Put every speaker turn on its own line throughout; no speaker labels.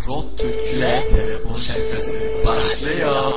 Rot Türk'le telefon şakası başlıyor.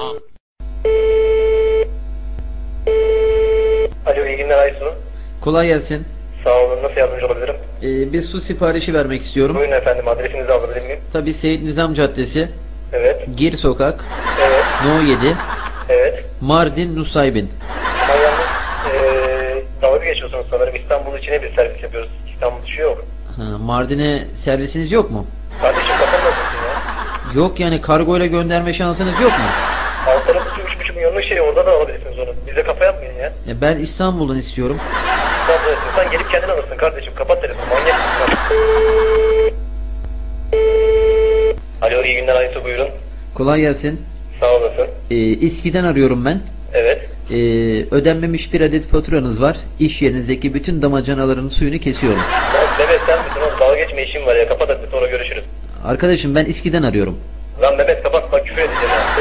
Alo, iyi günler Aysu.
Kolay gelsin.
Sağ olun, nasıl yardımcı olabilirim?
Bir su siparişi vermek istiyorum.
Buyurun efendim, adresinizi alabilir miyim?
Tabii Seyit Nizam Caddesi,
Evet,
Gir Sokak,
evet,
No 7,
evet.
Mardin Nusaybin.
Ama yalnız dalga geçiyorsunuz sanırım. İstanbul içine bir servis yapıyoruz. İstanbul dışı yok.
Mardin'e servisiniz yok mu?
Kardeşim kapanmasın ya.
Yok yani kargoyla gönderme şansınız yok mu?
Alt tarafı 3,5 milyonluk şey, orada da alabilirsiniz onu. Bize kafa yapmayın ya.
Ben İstanbul'dan istiyorum.
İstanbul'a istiyorsan gelip kendin alırsın kardeşim. Kapat telefonu, manyak mısın? Alo, iyi günler Aysu, buyurun.
Kolay gelsin.
Sağ olasın.
İSKİ'den arıyorum ben.
Evet.
Ödenmemiş bir adet faturanız var. İş yerinizdeki bütün damacanaların suyunu kesiyorum.
Lan Mehmet sen misin oğlum? Dalga geçme, işim var ya. Kapat hadi, sonra görüşürüz.
Arkadaşım ben İSKİ'den arıyorum.
Lan Mehmet kapat, bak küfür edeceğim ha.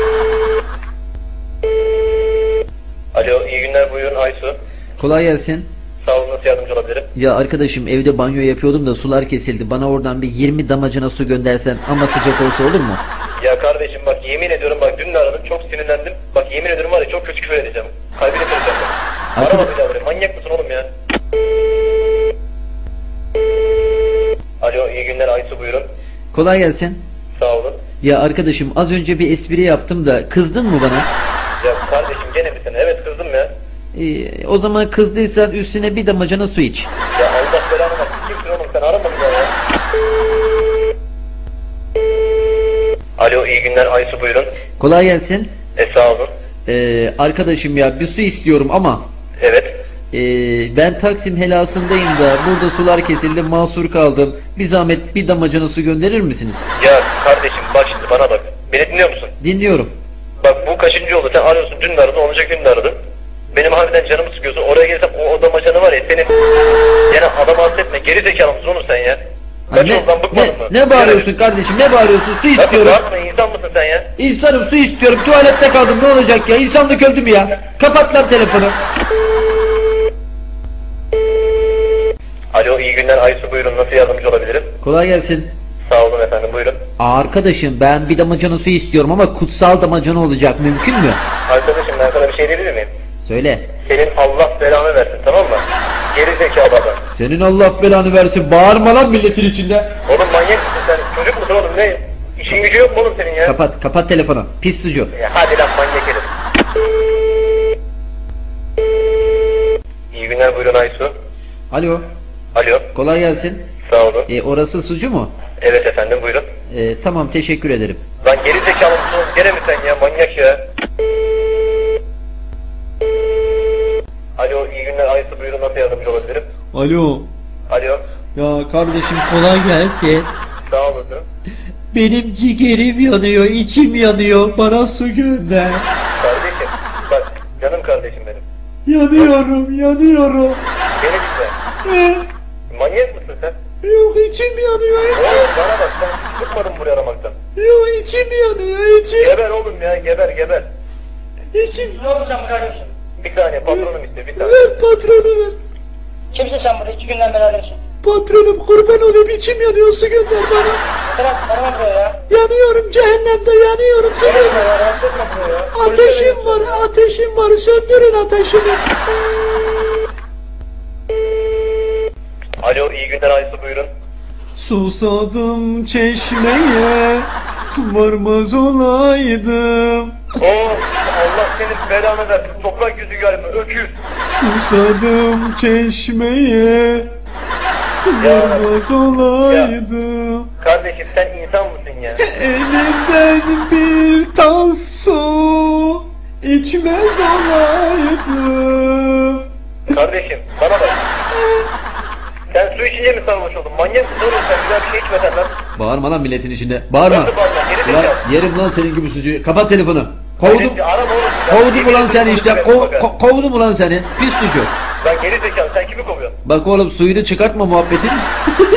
Alo, iyi günler, buyurun Aysu.
Kolay gelsin.
Sağ olun, nasıl yardımcı olabilirim?
Ya arkadaşım evde banyo yapıyordum da sular kesildi. Bana oradan bir 20 damacana su göndersen ama sıcak olsa olur mu?
Ya kardeşim bak, yemin ediyorum bak, dün de aradım, çok sinirlendim. Bak yemin ediyorum var ya, çok kötü küfür edeceğim. Kalbini kıracağım ben. Arama bir daha buraya, manyak mısın oğlum ya? Alo, iyi günler Aysu, buyurun.
Kolay gelsin.
Sağ olun.
Ya arkadaşım az önce bir espri yaptım da kızdın mı bana?
Ya kardeşim gene misin? Evet, kızdım ya.
O zaman kızdıysan üstüne bir damacana su iç.
Ya Allah belanı versin, kimsin oğlum sen, arama bir daha ya. Alo, iyi günler Aysu, buyurun.
Kolay gelsin.
Sağ olun.
Arkadaşım ya bir su istiyorum ama
Evet.
ben Taksim helasındayım da burada sular kesildi, mahsur kaldım. Bir zahmet bir damacana su gönderir misiniz?
Ya kardeşim bak şimdi bana bak. Beni dinliyor musun?
Dinliyorum.
Bak bu kaçıncı oldu? Sen arıyorsun, dün de aradın, olacak gün de aradın. Benim harbiden canımı sıkıyorsun. Oraya gelsem o damacanı var ya senin. Yani adam affetme. Geri zekalı mısın oğlum sen ya? Kaç yoldan bıkmadın mı?
Ne bağırıyorsun kardeşim? Ne bağırıyorsun? Su istiyorum.
Bağırma, insan mısın sen ya?
İnsanım, su istiyorum. Tuvalette kaldım. Ne olacak ya? İnsanlık öldü mü ya? Kapat lan telefonu.
Alo, iyi günler Aysu, buyurun, nasıl yardımcı olabilirim?
Kolay gelsin.
Sağ olun efendim, buyurun.
Arkadaşım ben bir damacana su istiyorum ama kutsal damacana olacak, mümkün mü?
Arkadaşım ben sana bir şey diyebilir miyim?
Söyle.
Senin Allah belanı versin, tamam mı? Geri zekalı adam.
Senin Allah belanı versin. Bağırma lan milletin içinde.
Oğlum manyak mısın sen? Çocuk musun oğlum, ne? İşin gücü yok mu oğlum senin ya?
Kapat telefonu. Pis sucu.
Ya hadi lan manyak herif. İyi günler, buyurun Aysu.
Alo.
Alo,
Kolay gelsin.
sağ olun.
Orası sucu mu?
Evet efendim, buyurun.
Tamam, teşekkür ederim.
Lan geri zekalı mısın oğlum? Gene mi sen ya, manyak ya? Alo, iyi günler Aysu, buyurun, nasıl yardımcı olabilirim?
Alo.
Alo,
Ya kardeşim kolay gelsin.
sağ olasın.
Benim ciğerim yanıyor, içim yanıyor. Bana su gönder.
Kardeşim, bak canım kardeşim benim.
Yanıyorum.
Beni dinle. Manyak mısın sen?
Yok, içim yanıyor.
Oğlum bana bak, sen hiç bıkmadın buraya aramaktan.
Yok, içim yanıyor,
Geber oğlum ya, geber.
İçim.
Ne oldu sen buraya arıyorsun?
Bir saniye, patronum istiyor, bir saniye.
Ver patronu ver.
Kimsin sen burada? 2 günden beri arıyorsun.
Patronum kurban olayım, içim yanıyor, su gönder bana.
Bırak, arama buraya ya.
Yanıyorum, cehennemde yanıyorum. Su
Geber
gönder.
ya, rahatsız etme buraya ya.
Ateşim var, söndürün ateşimi.
Alo, iyi günler Aysu, buyurun.
Susadım çeşmeye, varmaz olaydım.
Allah senin belanı versin, toprak yüzü galiba, öküz.
Susadım çeşmeye, varmaz olaydım.
Kardeşim sen insan mısın ya?
Elinden bir tas su içmez olaydım.
Kardeşim bana bak. Sen su içince mi sarhoş oldun? Manyak mısın oğlum sen? Bir daha bir şey içmeden lan.
Bağırma lan milletin içinde. Bağırma.
Nasıl bağırma? Geri
Ulan
zekalı.
yerim lan senin gibi sucuğu. Kapat telefonu. Kovdum.
Kardeşim, arama oğlum.
Kovdum ulan seni işte. Kovdum ulan seni. Pis sucuk.
Lan geri zekalı, sen kimi kovuyorsun?
Bak oğlum, suyunu çıkartma muhabbetin.